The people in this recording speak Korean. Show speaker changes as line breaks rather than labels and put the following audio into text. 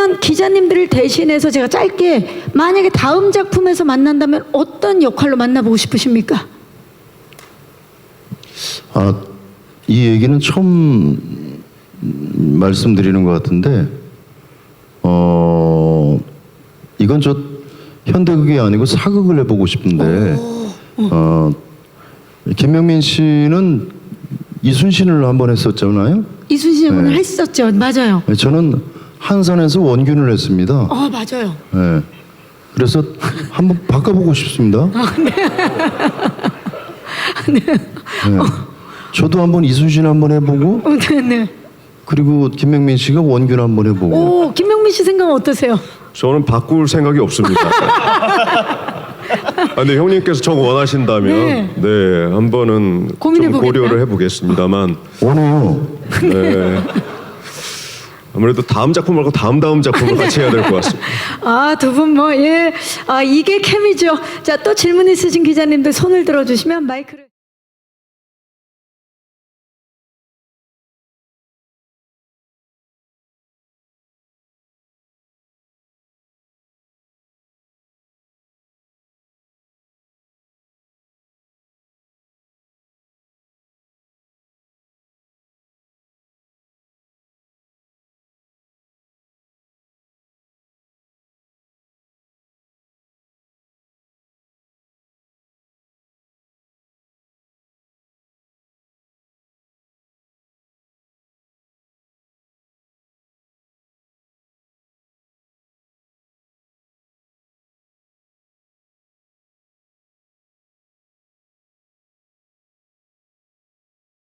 그러면 기자님들을 대신해서 제가 짧게 만약에 다음 작품에서 만난다면 어떤 역할로 만나보고 싶으십니까?
이 얘기는 처음 말씀드리는 것 같은데, 이건 저 현대극이 아니고 사극을 해보고 싶은데, 김명민 씨는 이순신을 한번 했었잖아요.
이순신 오늘 했었죠. 맞아요.
저는 한산에서 원균을 했습니다.
맞아요.
네. 그래서 한번 바꿔보고 싶습니다.
네.
저도 한번 이순신 한번 해보고,
네.
그리고 김명민 씨가 원균 한번 해보고.
오, 김명민 씨 생각은 어떠세요?
저는 바꿀 생각이 없습니다. 근데 형님께서 정 원하신다면 네, 한 번은 좀 고려를 해보겠습니다만.
원해요.
네. 아무래도 다음 작품 말고 다음 작품을 같이 해야 될 것 같습니다.
두 분 이게 케미죠. 자, 또 질문 있으신 기자님들 손을 들어주시면 마이크를.